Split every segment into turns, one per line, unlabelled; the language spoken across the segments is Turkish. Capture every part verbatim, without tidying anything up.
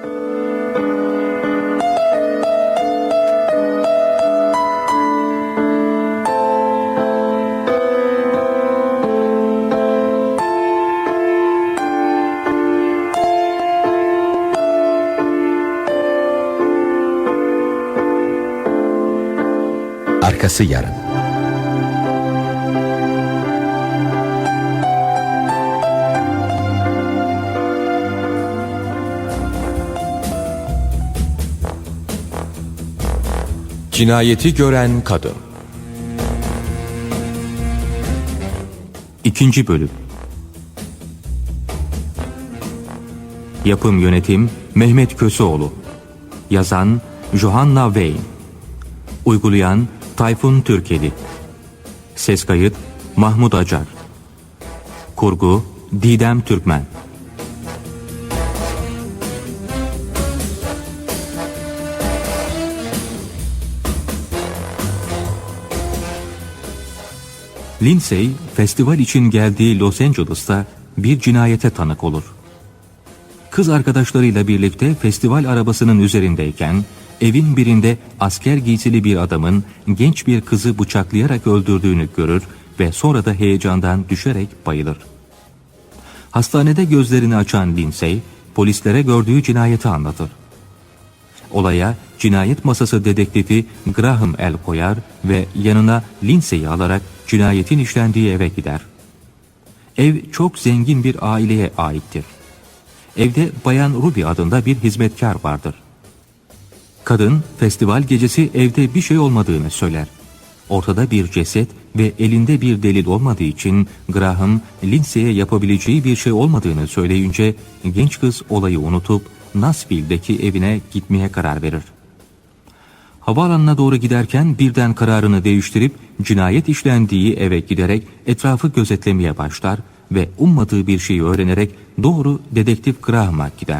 Arkası yarın. Cinayeti gören kadın.
İkinci bölüm. Yapım yönetim Mehmet Köseoğlu. Yazan Johanna Wayne. Uygulayan Tayfun Türkeli. Ses kayıt Mahmut Acar. Kurgu Didem Türkmen. Lindsay, festival için geldiği Los Angeles'ta bir cinayete tanık olur. Kız arkadaşlarıyla birlikte festival arabasının üzerindeyken, evin birinde asker giysili bir adamın genç bir kızı bıçaklayarak öldürdüğünü görür ve sonra da heyecandan düşerek bayılır. Hastanede gözlerini açan Lindsay, polislere gördüğü cinayeti anlatır. Olaya cinayet masası dedektifi Graham el koyar ve yanına Lindsay'i alarak cinayetin işlendiği eve gider. Ev çok zengin bir aileye aittir. Evde Bayan Ruby adında bir hizmetkar vardır. Kadın festival gecesi evde bir şey olmadığını söyler. Ortada bir ceset ve elinde bir delil olmadığı için Graham, Lindsay'e yapabileceği bir şey olmadığını söyleyince genç kız olayı unutup Nashville'deki evine gitmeye karar verir. Havaalanına doğru giderken birden kararını değiştirip cinayet işlendiği eve giderek etrafı gözetlemeye başlar ve ummadığı bir şeyi öğrenerek doğru dedektif Graham'a gider.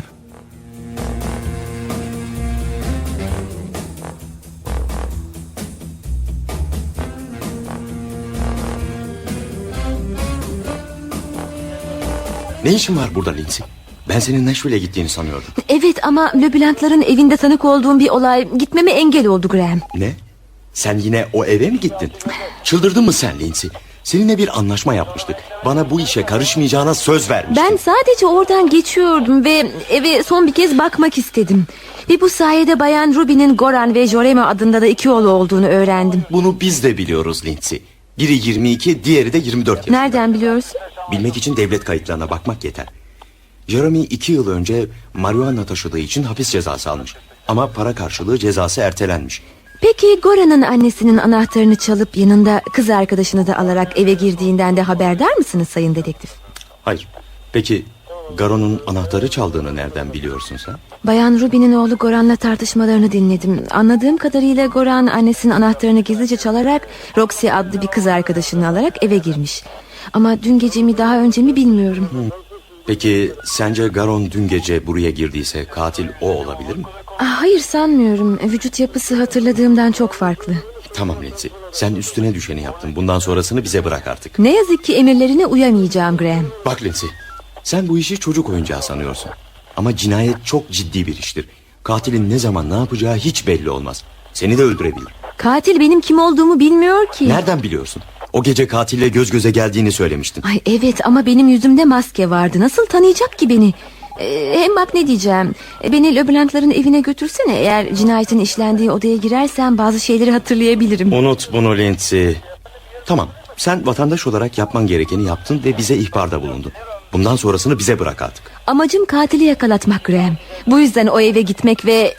Ne işin var burada Lindsay? Ben senin Nashville'e gittiğini sanıyordum.
Evet ama Leblanc'ların evinde tanık olduğum bir olay gitmeme engel oldu Graham.
Ne? Sen yine o eve mi gittin? Çıldırdın mı sen Lindsay? Seninle bir anlaşma yapmıştık. Bana bu işe karışmayacağına söz vermiştin.
Ben sadece oradan geçiyordum ve eve son bir kez bakmak istedim. Ve bu sayede Bayan Ruby'nin Goran ve Jorema adında da iki oğlu olduğunu öğrendim.
Bunu biz de biliyoruz Lindsay. Biri yirmi iki, diğeri de yirmi dört yaşında.
Nereden biliyorsun?
Bilmek için devlet kayıtlarına bakmak yeter. Jeremy iki yıl önce marihuana taşıdığı için hapis cezası almış. Ama para karşılığı cezası ertelenmiş.
Peki Goran'ın annesinin anahtarını çalıp yanında kız arkadaşını da alarak eve girdiğinden de haberdar mısınız sayın dedektif?
Hayır. Peki Garon'un anahtarı çaldığını nereden biliyorsun sen?
Bayan Ruby'nin oğlu Goran'la tartışmalarını dinledim. Anladığım kadarıyla Goran annesinin anahtarını gizlice çalarak Roxy adlı bir kız arkadaşını alarak eve girmiş. Ama dün gece mi daha önce mi bilmiyorum.
Hı. Peki sence Garon dün gece buraya girdiyse katil o olabilir mi?
Ah, hayır sanmıyorum. Vücut yapısı hatırladığımdan çok farklı.
Tamam Lindsay, sen üstüne düşeni yaptın. Bundan sonrasını bize bırak artık.
Ne yazık ki emirlerine uyamayacağım Graham.
Bak Lindsay, sen bu işi çocuk oyuncağı sanıyorsun. Ama cinayet çok ciddi bir iştir. Katilin ne zaman ne yapacağı hiç belli olmaz. Seni de öldürebilir.
Katil benim kim olduğumu bilmiyor ki.
Nereden biliyorsun? O gece katille göz göze geldiğini söylemiştin.
Ay evet ama benim yüzümde maske vardı. Nasıl tanıyacak ki beni? Ee, hem bak ne diyeceğim. Ee, beni Leblanc'ların evine götürsene. Eğer cinayetin işlendiği odaya girersem bazı şeyleri hatırlayabilirim.
Unut bunu Lindsay. Tamam, sen vatandaş olarak yapman gerekeni yaptın ve bize ihbarda bulundun. Bundan sonrasını bize bırak artık.
Amacım katili yakalatmak Graham. Bu yüzden o eve gitmek ve...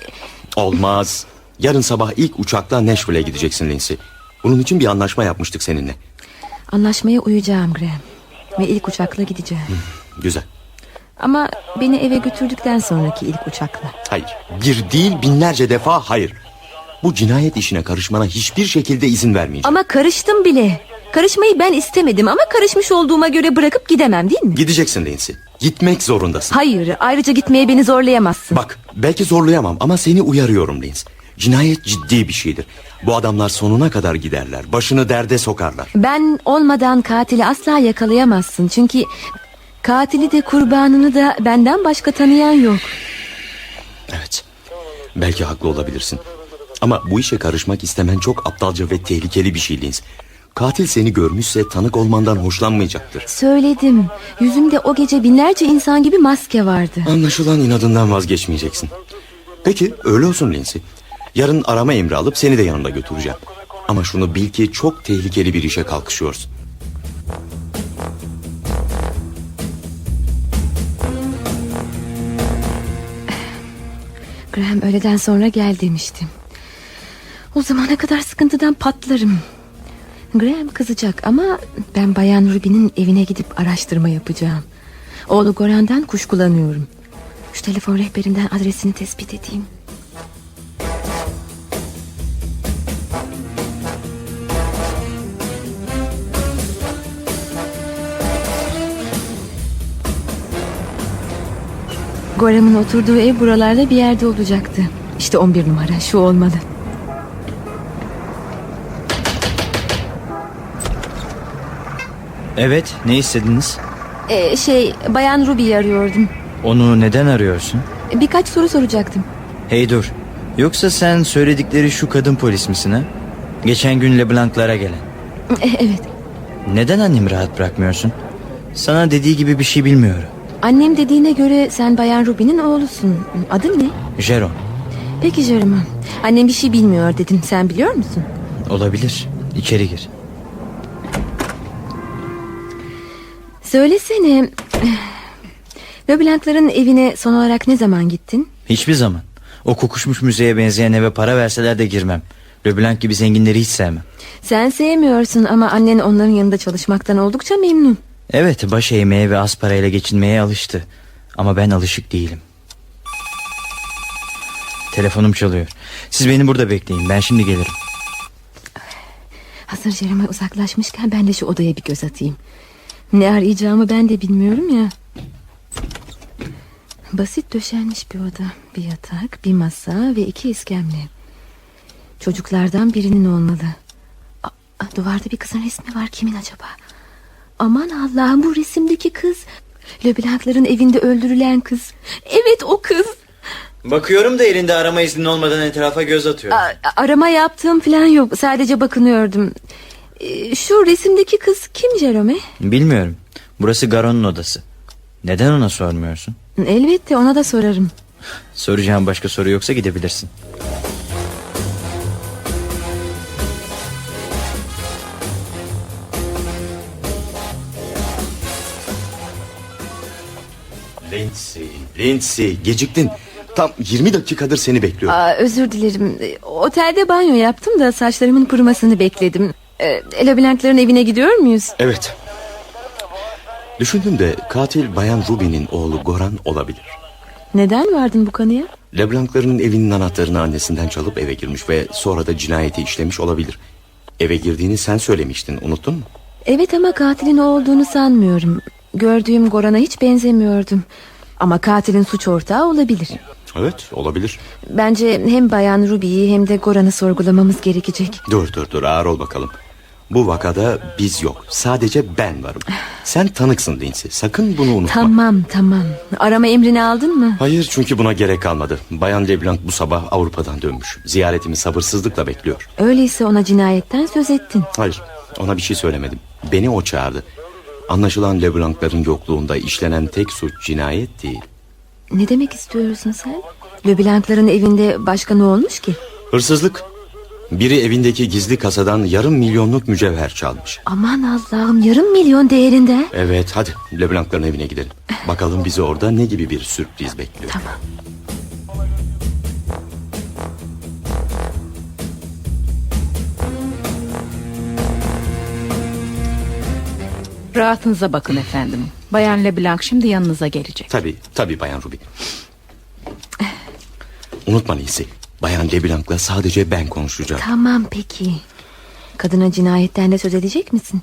Olmaz. Yarın sabah ilk uçakla Nashville'e gideceksin Lindsay. Bunun için bir anlaşma yapmıştık seninle.
Anlaşmaya uyacağım Graham. Ve ilk uçakla gideceğim.
Hı, güzel.
Ama beni eve götürdükten sonraki ilk uçakla.
Hayır, bir değil binlerce defa hayır. Bu cinayet işine karışmana hiçbir şekilde izin vermeyeceğim.
Ama karıştım bile. Karışmayı ben istemedim ama karışmış olduğuma göre bırakıp gidemem değil mi?
Gideceksin Lindsay. Gitmek zorundasın.
Hayır, ayrıca gitmeye beni zorlayamazsın.
Bak, belki zorlayamam ama seni uyarıyorum Lindsay. Cinayet ciddi bir şeydir. Bu adamlar sonuna kadar giderler. Başını derde sokarlar.
Ben olmadan katili asla yakalayamazsın. Çünkü katili de kurbanını da benden başka tanıyan yok.
Belki haklı olabilirsin. Ama bu işe karışmak istemen çok aptalca ve tehlikeli bir şey Linz. Katil seni görmüşse tanık olmandan hoşlanmayacaktır.
Söyledim. Yüzümde o gece binlerce insan gibi maske vardı.
Anlaşılan inadından vazgeçmeyeceksin. Peki öyle olsun Lindsay. Yarın arama emri alıp seni de yanımda götüreceğim. Ama şunu bil ki çok tehlikeli bir işe kalkışıyorsun.
Graham öğleden sonra gel demişti. O zamana kadar sıkıntıdan patlarım. Graham kızacak ama ben Bayan Ruby'nin evine gidip araştırma yapacağım. Oğlu Goran'dan kuşkulanıyorum. Şu telefon rehberinden adresini tespit edeyim. Goram'ın oturduğu ev buralarda bir yerde olacaktı. İşte on bir numara, şu olmalı.
Evet, ne istediniz?
Ee, şey, Bayan Ruby'yi arıyordum.
Onu neden arıyorsun?
Birkaç soru soracaktım.
Hey dur, yoksa sen söyledikleri şu kadın polis misin ha? Geçen gün LeBlanc'lara gelen.
Ee, evet.
Neden annemi rahat bırakmıyorsun? Sana dediği gibi bir şey bilmiyorum.
Annem dediğine göre sen Bayan Ruby'nin oğlusun. Adın ne?
Jeron.
Peki Jeremy. Annem bir şey bilmiyor dedim. Sen biliyor musun?
Olabilir. İçeri gir.
Söylesene. LeBlanc'ların evine son olarak ne zaman gittin?
Hiçbir zaman. O kokuşmuş müzeye benzeyen eve para verseler de girmem. LeBlanc gibi zenginleri hiç sevmem.
Sen sevmiyorsun ama annen onların yanında çalışmaktan oldukça memnun.
Evet, baş eğmeye ve az parayla geçinmeye alıştı. Ama ben alışık değilim. Telefonum çalıyor. Siz beni burada bekleyin, ben şimdi gelirim.
Hazır Jeremy uzaklaşmışken ben de şu odaya bir göz atayım. Ne arayacağımı ben de bilmiyorum ya. Basit döşenmiş bir oda. Bir yatak, bir masa ve iki iskemle. Çocuklardan birinin olmalı. Aa, duvarda bir kızın resmi var. Kimin acaba? Aman Allah'ım, bu resimdeki kız. LeBlanc'ların evinde öldürülen kız. Evet, o kız.
Bakıyorum da elinde arama iznin olmadan etrafa göz atıyor.
A- arama yaptığım falan yok. Sadece bakınıyordum. Ee, Şu resimdeki kız kim Jerome?
Bilmiyorum. Burası Garon'un odası. Neden ona sormuyorsun?
Elbette ona da sorarım.
Soracağım başka soru yoksa gidebilirsin.
Lindsay, Lindsay geciktin. Tam yirmi dakikadır seni bekliyorum.
Aa, özür dilerim. Ee, Otelde banyo yaptım da saçlarımın kurumasını bekledim. Ee, LeBlanc'ların evine gidiyor muyuz?
Evet. Düşündüm de katil Bayan Ruby'nin oğlu Goran olabilir.
Neden vardın bu kanıya?
LeBlanc'ların evinin anahtarını annesinden çalıp eve girmiş ve sonra da cinayeti işlemiş olabilir. Eve girdiğini sen söylemiştin, unuttun mu?
Evet ama katilin o olduğunu sanmıyorum. Gördüğüm Goran'a hiç benzemiyordum. Ama katilin suç ortağı olabilir.
Evet, olabilir.
Bence hem Bayan Ruby'yi hem de Goran'ı sorgulamamız gerekecek.
Dur dur dur ağır ol bakalım. Bu vakada biz yok, sadece ben varım. Sen tanıksın Lindsay, sakın bunu unutma.
Tamam tamam. Arama emrini aldın mı?
Hayır, çünkü buna gerek kalmadı. Bayan LeBlanc bu sabah Avrupa'dan dönmüş. Ziyaretimi sabırsızlıkla bekliyor.
Öyleyse ona cinayetten söz ettin.
Hayır, ona bir şey söylemedim. Beni o çağırdı. Anlaşılan LeBlanc'ların yokluğunda işlenen tek suç cinayet değil.
Ne demek istiyorsun sen? LeBlanc'ların evinde başka ne olmuş ki?
Hırsızlık. Biri evindeki gizli kasadan yarım milyonluk mücevher çalmış.
Aman Allah'ım, yarım milyon değerinde.
Evet, hadi LeBlanc'ların evine gidelim. Bakalım bizi orada ne gibi bir sürpriz bekliyor.
Tamam.
Rahatınıza bakın efendim. Bayan LeBlanc şimdi yanınıza gelecek.
Tabii, tabii Bayan Ruby. Unutma Lindsay, Bayan LeBlanc'la sadece ben konuşacağım.
Tamam peki. Kadına cinayetten de söz edecek misin?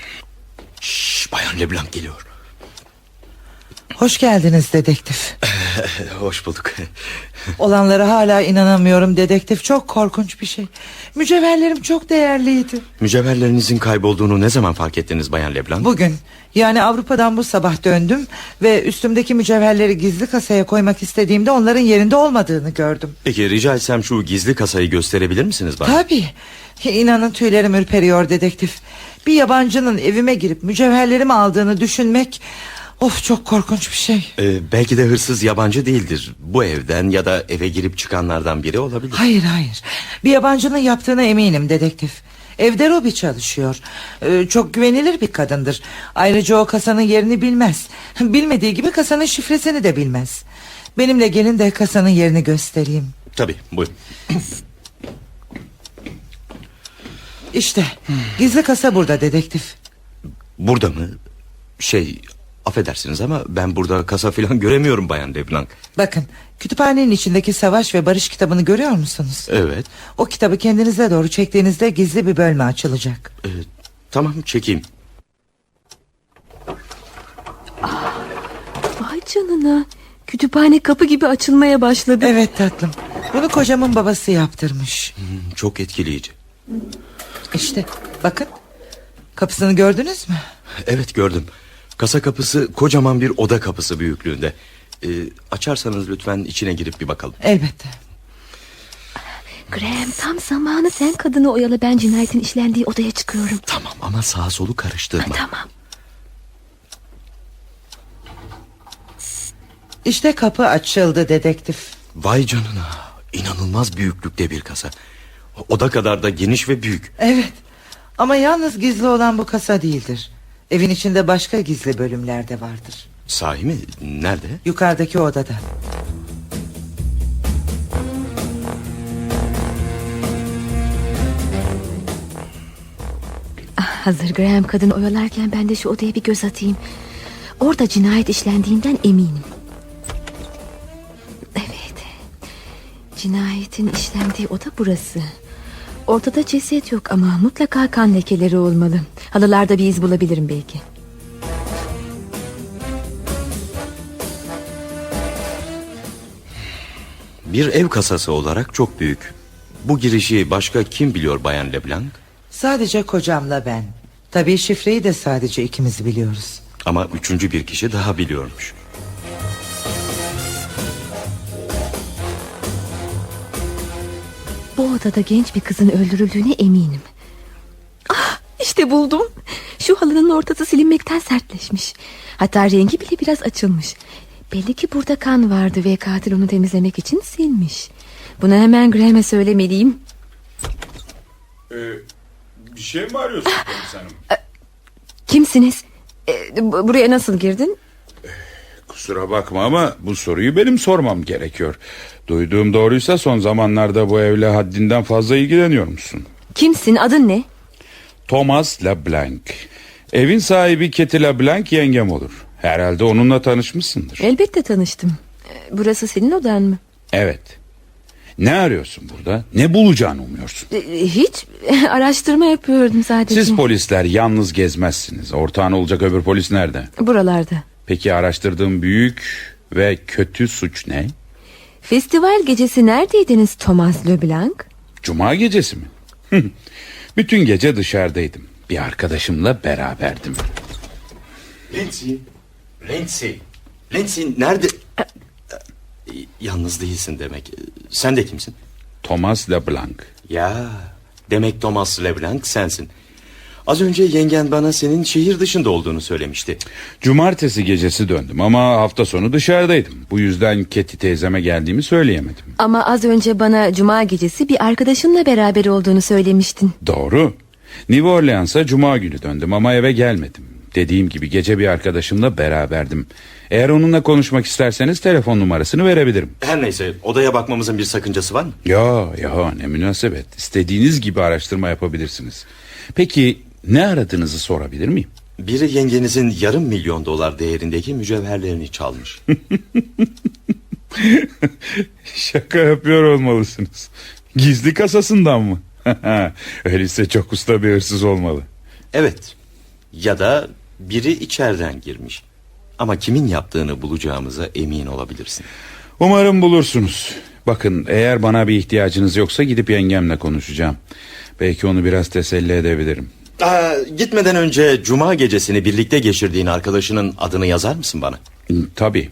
Şşş, Bayan LeBlanc geliyor.
Hoş geldiniz dedektif.
Hoş bulduk.
Olanlara hala inanamıyorum dedektif. Çok korkunç bir şey. Mücevherlerim çok değerliydi.
Mücevherlerinizin kaybolduğunu ne zaman fark ettiniz Bayan Leblanc?
Bugün, yani Avrupa'dan bu sabah döndüm ve üstümdeki mücevherleri gizli kasaya koymak istediğimde onların yerinde olmadığını gördüm.
Peki rica etsem şu gizli kasayı gösterebilir misiniz bana?
Tabii. İnanın tüylerim ürperiyor dedektif. Bir yabancının evime girip mücevherlerimi aldığını düşünmek... Of, çok korkunç bir şey.
Ee, belki de hırsız yabancı değildir. Bu evden ya da eve girip çıkanlardan biri olabilir.
Hayır hayır, bir yabancının yaptığına eminim dedektif. Evde Robi çalışıyor. Ee, çok güvenilir bir kadındır. Ayrıca o kasanın yerini bilmez. Bilmediği gibi kasanın şifresini de bilmez. Benimle gelin de kasanın yerini göstereyim.
Tabii, buyurun.
İşte gizli kasa burada dedektif.
Burada mı? Şey, affedersiniz ama ben burada kasa falan göremiyorum Bayan Leblanc.
Bakın, kütüphanenin içindeki savaş ve barış kitabını görüyor musunuz?
Evet.
O kitabı kendinize doğru çektiğinizde gizli bir bölme açılacak.
Ee, tamam, çekeyim.
Vay canına. Kütüphane kapı gibi açılmaya başladı.
Evet tatlım, bunu kocamın babası yaptırmış.
Hmm, çok etkileyici.
İşte bakın, kapısını gördünüz mü?
Evet, gördüm. Kasa kapısı kocaman bir oda kapısı büyüklüğünde. Ee, açarsanız lütfen içine girip bir bakalım.
Elbette.
Graham, tam zamanı, sen kadını oyalı, ben cinayetin işlendiği odaya çıkıyorum.
Tamam ama sağa solu karıştırma.
Tamam.
İşte kapı açıldı dedektif.
Vay canına, inanılmaz büyüklükte bir kasa. Oda kadar da geniş ve büyük.
Evet, ama yalnız gizli olan bu kasa değildir. Evin içinde başka gizli bölümler de vardır.
Sahi mi? Nerede?
Yukarıdaki odada.
Ah, hazır Graham kadını oyalarken ben de şu odaya bir göz atayım. Orada cinayet işlendiğinden eminim. Evet, cinayetin işlendiği oda burası. Ortada ceset yok ama mutlaka kan lekeleri olmalı. Halılarda bir iz bulabilirim belki.
Bir ev kasası olarak çok büyük. Bu girişi başka kim biliyor Bayan Leblanc?
Sadece kocamla ben. Tabii şifreyi de sadece ikimiz biliyoruz.
Ama üçüncü bir kişi daha biliyormuş.
Bu odada genç bir kızın öldürüldüğüne eminim. Ah, işte buldum. Şu halının ortası silinmekten sertleşmiş. Hatta rengi bile biraz açılmış. Belli ki burada kan vardı ve katil onu temizlemek için silmiş. Bunu hemen Graham'e söylemeliyim.
Ee, bir şey mi arıyorsun polis hanım?
Kimsiniz? Ee, bu- buraya nasıl girdin?
Kusura bakma ama bu soruyu benim sormam gerekiyor. Duyduğum doğruysa son zamanlarda bu evle haddinden fazla ilgileniyor musun?
Kimsin? Adın ne?
Thomas Leblanc. Evin sahibi Ketty Leblanc yengem olur. Herhalde onunla tanışmışsındır.
Elbette tanıştım. Ee, Burası senin odan mı?
Evet. Ne arıyorsun burada? Ne bulacağını umuyorsun?
Ee, Hiç. Araştırma yapıyordum sadece.
Siz polisler yalnız gezmezsiniz. Ortağın olacak öbür polis nerede?
Buralarda.
Peki araştırdığın büyük ve kötü suç ne?
Festival gecesi neredeydiniz Thomas Leblanc?
Cuma gecesi mi? Bütün gece dışarıdaydım. Bir arkadaşımla beraberdim.
Lindsay. Lindsay. Lindsay nerede? Ee, Yalnız değilsin demek. Sen de kimsin?
Thomas Leblanc.
Ya, demek Thomas Leblanc sensin. Az önce yengen bana senin şehir dışında olduğunu söylemişti.
Cumartesi gecesi döndüm ama hafta sonu dışarıdaydım. Bu yüzden Ketty teyzeme geldiğimi söyleyemedim.
Ama az önce bana cuma gecesi bir arkadaşınla beraber olduğunu söylemiştin.
Doğru. New Orleans'a cuma günü döndüm ama eve gelmedim. Dediğim gibi gece bir arkadaşımla beraberdim. Eğer onunla konuşmak isterseniz telefon numarasını verebilirim.
Her neyse, odaya bakmamızın bir sakıncası var mı?
Ya ya ne münasebet. İstediğiniz gibi araştırma yapabilirsiniz. Peki ne aradığınızı sorabilir miyim?
Biri yengenizin yarım milyon dolar değerindeki mücevherlerini çalmış.
Şaka yapıyor olmalısınız. Gizli kasasından mı? Öyleyse çok usta bir hırsız olmalı.
Evet. Ya da biri içeriden girmiş. Ama kimin yaptığını bulacağımıza emin olabilirsin.
Umarım bulursunuz. Bakın, eğer bana bir ihtiyacınız yoksa gidip yengemle konuşacağım. Belki onu biraz teselli edebilirim.
Aa, gitmeden önce cuma gecesini birlikte geçirdiğin arkadaşının adını yazar mısın bana?
Tabii.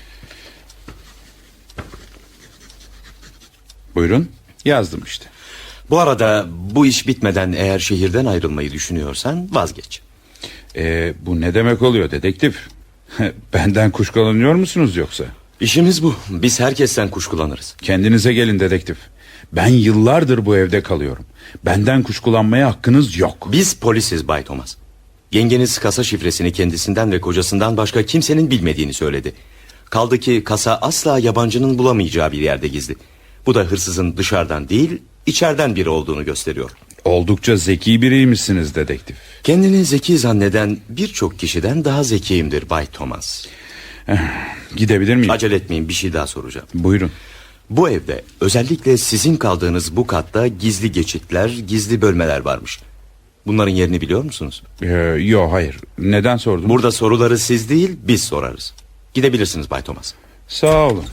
Buyurun, yazdım işte.
Bu arada bu iş bitmeden eğer şehirden ayrılmayı düşünüyorsan vazgeç.
Ee, bu ne demek oluyor dedektif? Benden kuşkulanıyor musunuz yoksa?
İşimiz bu. Biz herkesten kuşkulanırız.
Kendinize gelin dedektif. Ben yıllardır bu evde kalıyorum. Benden kuşkulanmaya hakkınız yok.
Biz polisiz Bay Thomas. Yengeniz kasa şifresini kendisinden ve kocasından başka kimsenin bilmediğini söyledi. Kaldı ki kasa asla yabancının bulamayacağı bir yerde gizli. Bu da hırsızın dışarıdan değil, içeriden biri olduğunu gösteriyor.
Oldukça zeki biriymişsiniz dedektif.
Kendini zeki zanneden birçok kişiden daha zekiyimdir Bay Thomas.
Gidebilir miyim?
Acele etmeyin, bir şey daha soracağım.
Buyurun.
Bu evde özellikle sizin kaldığınız bu katta gizli geçitler, gizli bölmeler varmış. Bunların yerini biliyor musunuz?
Ee, yo hayır. Neden sordunuz?
Burada soruları siz değil biz sorarız. Gidebilirsiniz Bay Thomas.
Sağ olun.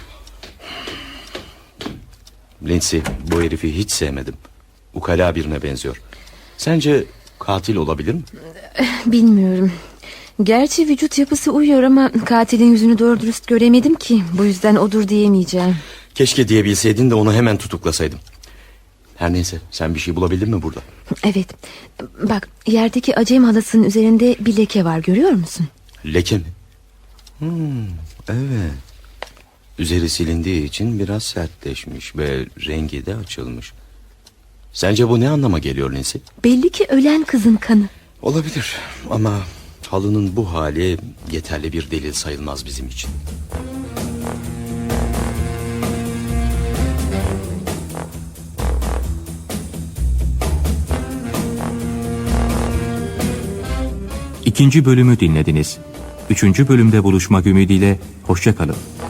Lindsay, bu herifi hiç sevmedim. Ukala birine benziyor. Sence katil olabilir mi?
Bilmiyorum. Gerçi vücut yapısı uyuyor ama katilin yüzünü doğru dürüst göremedim ki. Bu yüzden odur diyemeyeceğim.
Keşke diyebilseydin de onu hemen tutuklasaydım. Her neyse, sen bir şey bulabildin mi burada?
Evet. Bak, yerdeki acem halısının üzerinde bir leke var, görüyor musun?
Leke mi? Hmm, evet. Üzeri silindiği için biraz sertleşmiş ve rengi de açılmış. Sence bu ne anlama geliyor Lindsay?
Belli ki ölen kızın kanı.
Olabilir ama halının bu hali yeterli bir delil sayılmaz bizim için.
İkinci bölümü dinlediniz. Üçüncü bölümde buluşmak ümidiyle hoşça kalın.